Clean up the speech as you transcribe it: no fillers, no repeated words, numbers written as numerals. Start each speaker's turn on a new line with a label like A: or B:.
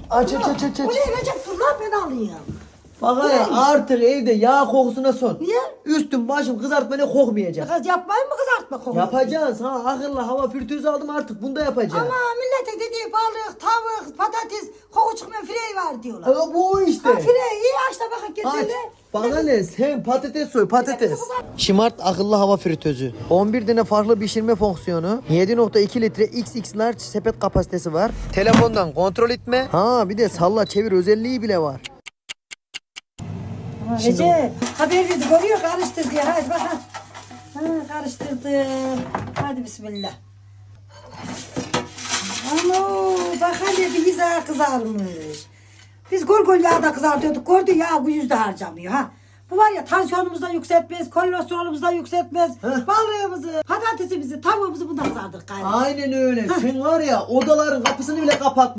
A: Aç.
B: Bu ne Recep, dur lan ben alayım.
A: Bak ya artık evde yağ kokusuna son.
B: Niye?
A: Üstüm başım kızartma ne kokmayacak.
B: Kız yapmayın mı kızartma kokuyor?
A: Yapacağız ha, akıllı hava filtresi aldım artık, bunu da yapacağız.
B: Ama millete dediği balık, tavuk, patates, koku çıkmayan fireyi var diyorlar.
A: Ama bu işte.
B: Ha fireyi iyi aç da bakın
A: Aç.
B: getirle.
A: Bana ne, sen patates soy, patates. Smart akıllı hava fritözü. 11 tane farklı pişirme fonksiyonu. 7.2 litre XX large sepet kapasitesi var. Telefondan kontrol etme. Ha bir de salla çevir özelliği bile var.
B: Recep haber verdi, görüyor karıştır diye. Hadi bakalım. Ha, karıştırdı. Hadi bismillah. Ano bak hele bir güzel kızarmış. Biz gol yağda kızartıyorduk. Gördü ya bu yüzde harcamıyor ha. Bu var ya tansiyonumuzu da yükseltmez, kolesterolümüzü da yükseltmez. Balığımızı, patatesimizi, tavuğumuzu bundan kızartır galiba.
A: Aynen öyle. Sen var ya odaların kapısını bile kapat.